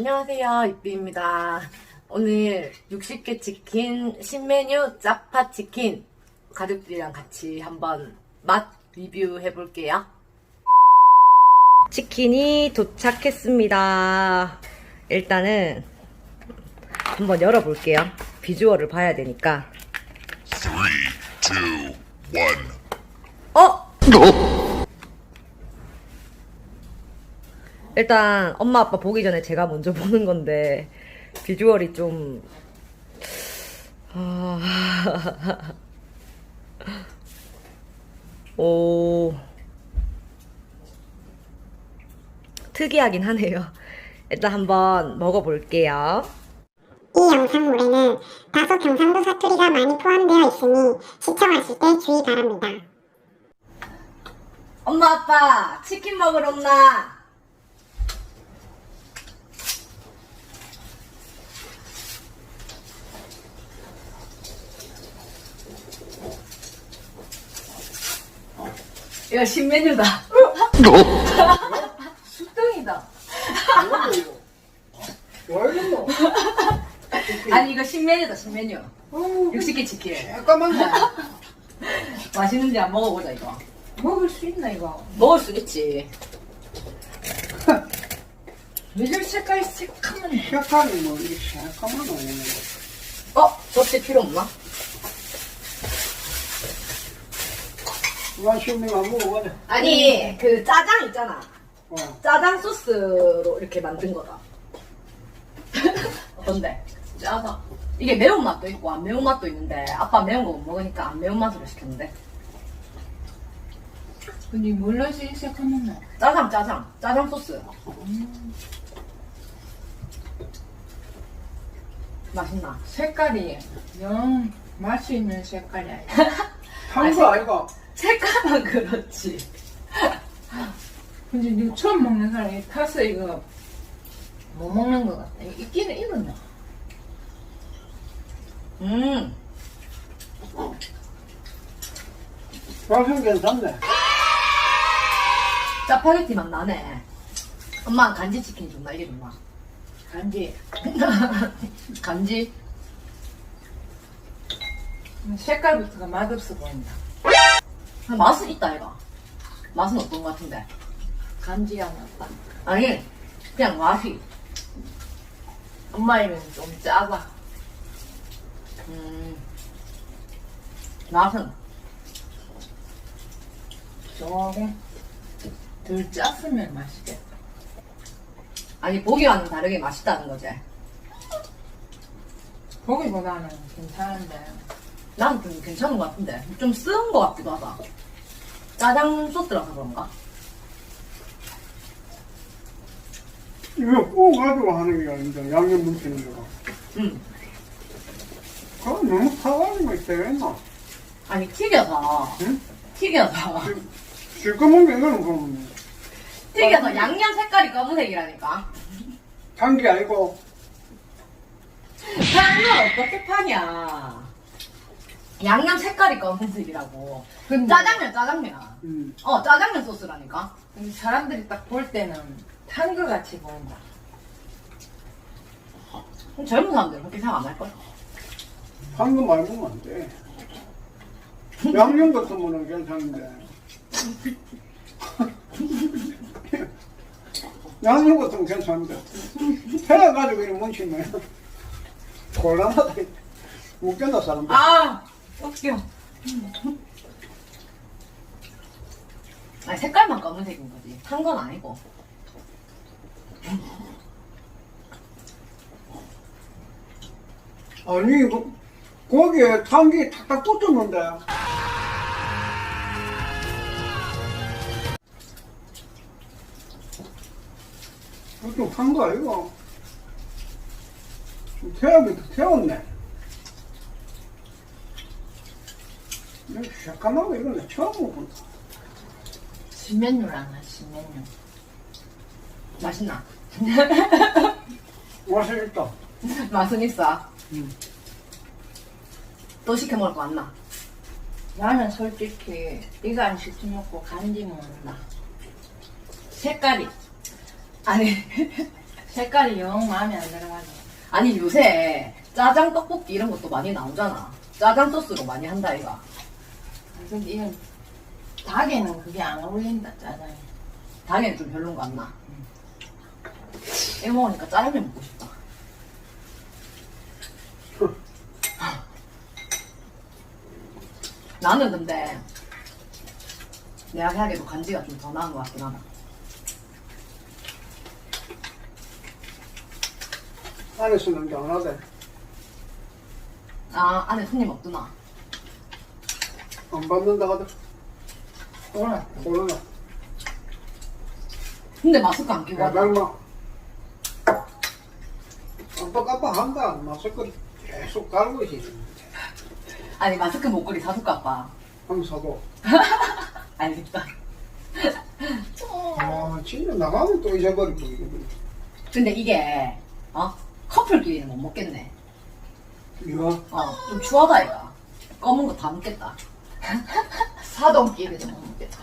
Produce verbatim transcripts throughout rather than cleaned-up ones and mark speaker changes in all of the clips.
Speaker 1: 안녕하세요, 이삐입니다. 오늘 육십 개 치킨 신메뉴 짜파 치킨 가족들이랑 같이 한번 맛 리뷰 해볼게요. 치킨이 도착했습니다. 일단은 한번 열어볼게요. 비주얼을 봐야 되니까.
Speaker 2: three, two, one.
Speaker 1: 어? 일단 엄마 아빠 보기 전에 제가 먼저 보는 건데 비주얼이 좀 아... 오 특이하긴 하네요. 일단 한번 먹어볼게요.
Speaker 3: 이 영상물에는 다소 경상도 사투리가 많이 포함되어 있으니 시청하실 때 주의 바랍니다.
Speaker 1: 엄마 아빠 치킨 먹으러 온나? 이거 신메뉴다. 수등이다.
Speaker 4: 왜이랬노?
Speaker 1: 아니 이거 신메뉴다 신메뉴. 육십 개 치킨.
Speaker 4: 잠깐만요.
Speaker 1: 맛있는지 안 먹어보자 이거.
Speaker 4: 먹을 수 있나 이거?
Speaker 1: 먹을 수 있지.
Speaker 4: 미술 색깔이 색하면 색깔이 뭐 이게 색하면 오는
Speaker 1: 어? 접시 필요 없나?
Speaker 4: 맛있는 거 먹어보자.
Speaker 1: 아니 그 짜장 있잖아.
Speaker 4: 어.
Speaker 1: 짜장 소스로 이렇게 만든 거다. 어떤데? 짜다. 이게 매운맛도 있고 안 매운맛도 있는데 아빠 매운 거 못 먹으니까 안 매운맛으로 시켰는데.
Speaker 4: 근데 뭘로 색하면
Speaker 1: 짜장 짜장 짜장 소스.
Speaker 4: 음.
Speaker 1: 맛있나?
Speaker 5: 색깔이 영 맛이 있는 색깔이 아니야.
Speaker 4: 탄거 아이가?
Speaker 1: 색깔만 그렇지.
Speaker 5: 근데 이거 처음 먹는 사람이 타서 이거 못 먹는 것 같아. 있기는 익었나?
Speaker 1: 음.
Speaker 4: 맛은 괜찮네.
Speaker 1: 짜파게티 맛 나네. 엄마는 간지 치킨 좋나 이게 좋나?
Speaker 5: 간지.
Speaker 1: 간지?
Speaker 5: 색깔부터가 맛없어 보인다.
Speaker 1: 맛은 있다 이거. 맛은 어떤 것 같은데?
Speaker 5: 간지가 났다.
Speaker 1: 아니 그냥 맛이.
Speaker 5: 엄마 입은 좀 짜다.
Speaker 1: 음. 맛은
Speaker 5: 조금 덜 짰으면 맛있겠다.
Speaker 1: 아니 보기와는 다르게 맛있다는 거지.
Speaker 5: 고기보다는 괜찮은데.
Speaker 1: 나는 좀 괜찮은 것 같은데 좀 쓰은 것 같기도 하다. 짜장 소스라서 그런가?
Speaker 4: 이거 구워가지고 하는 게 아닌데 양념 묻히는 거가.
Speaker 1: 응.
Speaker 4: 그건 너무 타가지고 있대겠나?
Speaker 1: 아니 튀겨서
Speaker 4: 응?
Speaker 1: 튀겨서
Speaker 4: 실컷 먹는 거는 그럼
Speaker 1: 튀겨서 양념 색깔이 검은색이라니까.
Speaker 4: 단 게 아니고
Speaker 1: 파는 어떻게 파냐? 양념 색깔이 검은색이라고.
Speaker 5: 근데
Speaker 1: 짜장면 짜장면.
Speaker 4: 음.
Speaker 1: 어 짜장면 소스라니까.
Speaker 5: 근데 사람들이 딱 볼 때는 탄 것 같이 보인다.
Speaker 1: 그럼 젊은 사람들 그렇게 생각 안 할걸?
Speaker 4: 단 거 많이 먹으면 안 돼. 양념 같은 거는 괜찮은데 양념 같은 건 괜찮은데 해가지고 이렇게 뭉치면 곤란하다. 웃긴다 사람들.
Speaker 1: 아 웃겨. 아니 색깔만 검은색인 거지. 탄 건 아니고.
Speaker 4: 아니 이거 고기에 탄기 탁탁 붙었는데 이거 좀 탄 거 아이가? 좀 태우면 태웠네. 이거 새까맣고 이거는 처음 먹어본다.
Speaker 5: 신메뉴라나 신메뉴.
Speaker 1: 맛있나?
Speaker 4: 맛이 있다.
Speaker 1: 맛은 있어.
Speaker 4: 음.
Speaker 1: 또 시켜 먹을 거 맞나?
Speaker 5: 나는 솔직히 이거 안 시켜 먹고 간지 먹는다. 색깔이
Speaker 1: 아니
Speaker 5: 색깔이 영 마음에 안 들어가지고.
Speaker 1: 아니 요새 짜장 떡볶이 이런 것도 많이 나오잖아. 짜장 소스로 많이 한다 이가.
Speaker 5: 근데 이건 닭에는 그게 안 어울린다, 짜장이.
Speaker 1: 당연히 좀 별론 거 안 나. 이거 먹으니까 짜장면 먹고 싶다. 나는 근데 내가 생각해도 간지가 좀 더 나은 것 같긴 하다.
Speaker 4: 안에서는 안 하대.
Speaker 1: 아 안에 손님 없구나.
Speaker 4: 안 받는다 하대.
Speaker 5: 그거는
Speaker 4: 코로나.
Speaker 1: 근데 마스크 안 끼고 하자.
Speaker 4: 야당마. 깜빡깜빡한다. 마스크 계속 깔고 있지.
Speaker 1: 아니 마스크 목걸이 사줄까 아빠.
Speaker 4: 항사도.
Speaker 1: 알겠다.
Speaker 4: 아, 진짜 나가면 또 잊어버리고. 이거.
Speaker 1: 근데 이게 어 커플끼리는 못 먹겠네.
Speaker 4: 이거
Speaker 1: 어좀 추하다 이가. 검은 거 다 먹겠다.
Speaker 5: 사돈끼리도 못 먹겠다.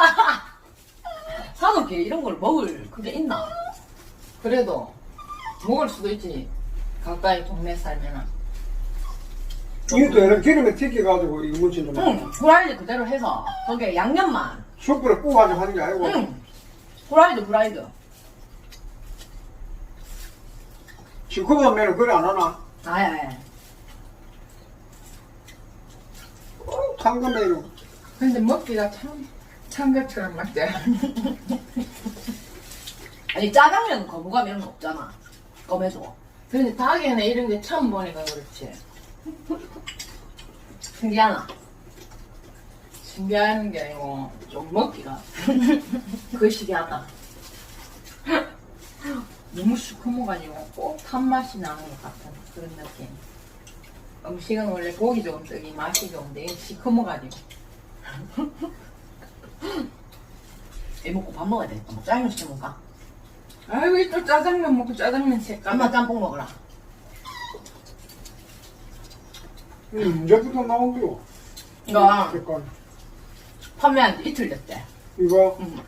Speaker 1: 사놓게 이런 걸 먹을 그게 있나?
Speaker 5: 그래도 먹을 수도 있지. 가까이 동네 살면은.
Speaker 4: 이것도 이런 기름에 튀겨가지고 이거 무친 좀.
Speaker 1: 응, 후라이드 그대로 해서 거기에 양념만.
Speaker 4: 숯불에 구워가지고 하는 게 아니고.
Speaker 1: 응, 후라이드 후라이드.
Speaker 4: 시커먼 그래 안 하나?
Speaker 1: 아예.
Speaker 4: 어, 상금메뉴.
Speaker 5: 근데 먹기가 참 참것처럼 맞지.
Speaker 1: 아니 짜장면 거부감 이런 거 없잖아. 검해도.
Speaker 5: 근데 닭에는 이런 게 처음 보니까 그렇지.
Speaker 1: 신기하나?
Speaker 5: 신기한 게 아니고 좀 먹기가 거시기하다. 너무 시커머가지고 꼭 탄맛이 나는 것 같은 그런 느낌. 음식은 원래 고기 좋은 떡이 맛이 좋은데 시커머가지고.
Speaker 1: 애 먹고 밥 먹어야 되겠다. 뭐 짜장면 시켜 먹을까?
Speaker 5: 아이고 또 짜장면 먹고 짜장면 색깔.
Speaker 1: 엄마 짬뽕 먹으라.
Speaker 4: 음, 이제부터 나온 거.
Speaker 1: 이거
Speaker 4: 색깔.
Speaker 1: 판매한 지 이틀 됐대.
Speaker 4: 이거.
Speaker 1: 응.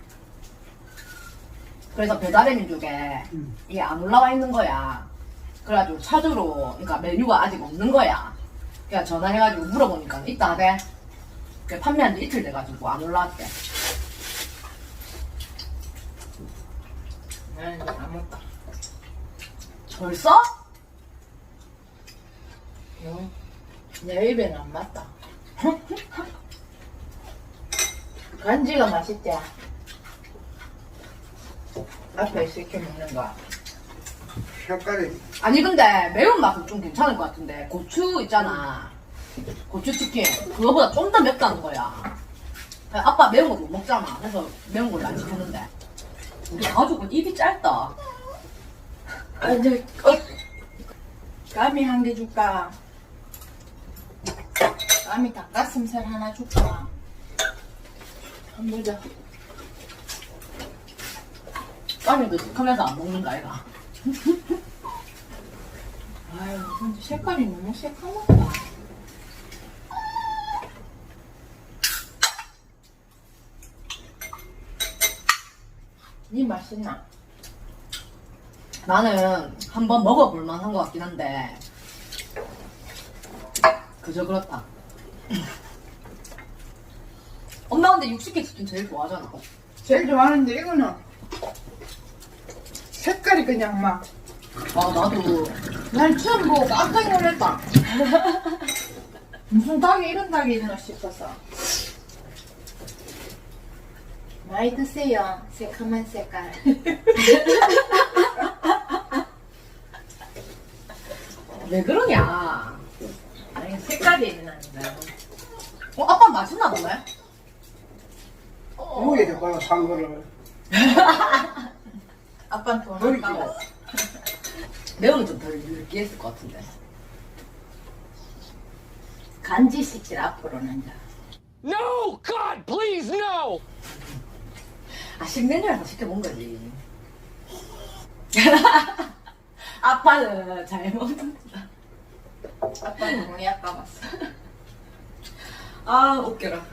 Speaker 1: 그래서 배달의 민족에
Speaker 4: 음.
Speaker 1: 이게 안 올라와 있는 거야. 그래가지고 찾으러, 그러니까 메뉴가 아직 없는 거야. 그냥 전화해가지고 물어보니까 있다 하대. 그래, 판매한 지 이틀 돼가지고 안 올라왔대.
Speaker 5: 나는 이제 안 먹다.
Speaker 1: 벌써?
Speaker 5: 응. 내 입에는 안 맞다. 간지가 맛있지? 앞에 시켜 먹는 거.
Speaker 4: 색깔이.
Speaker 1: 아니 근데 매운맛은 좀 괜찮을 것 같은데 고추 있잖아. 고추치킨 그거보다 좀 더 맵다는 거야. 아빠 매운 거 못 먹잖아. 그래서 매운 걸로 안 시켰는데 우리 가족은 입이 짧다.
Speaker 5: 아, 저, 어, 감이 한 개 줄까? 감이 닭가슴살 하나 줄까? 한번 보자.
Speaker 1: 까미도 시커면서 안 먹는 거 아이가.
Speaker 5: 아유, 근데 색깔이 너무 새까맣다. 니 맛있나?
Speaker 1: 나는 한번 먹어볼 만한 것 같긴 한데 그저 그렇다. 엄마 근데 육식계 치킨 제일 좋아하잖아.
Speaker 5: 제일 좋아하는데 이거는 색깔이 그냥 막.
Speaker 1: 아 나도
Speaker 5: 난 처음 보고 깜짝 놀랐다. 무슨 닭이 이런 닭이 있나 싶어서. 많이 드세요. 새카만 색깔.
Speaker 1: 왜 그러냐.
Speaker 5: 아니 색깔이 있나니까.
Speaker 1: 어 아빠 맛있나 보네.
Speaker 4: 누구에 될까요? 산 거를.
Speaker 5: 아빠는 돈을 까고.
Speaker 1: 매우면 좀 덜 느끼했을 것 같은데.
Speaker 5: 간지 시킬 앞으로는 자.
Speaker 6: No! God, please, no!
Speaker 1: 아 식메뉴라서 시켜본 거지. 아빠는 잘 먹는다.
Speaker 5: 아빠는 돈이 아까웠어.
Speaker 1: 아 웃겨라.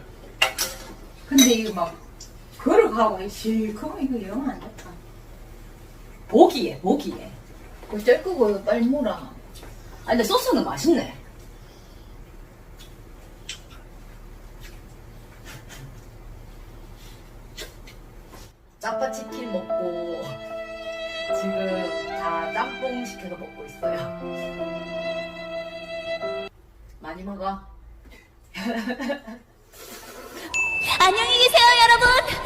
Speaker 5: 근데 이거 막 걸어가고 시커먼 이거 영 안 좋다.
Speaker 1: 보기에 보기에.
Speaker 5: 어쩔 거고 이거 빨리 물어.
Speaker 1: 아 근데 소스는 맛있네. 짜파치킨 먹고 지금 다 짬뽕 시켜서 먹고 있어요. 많이 먹어.
Speaker 7: 안녕히 계세요, 여러분.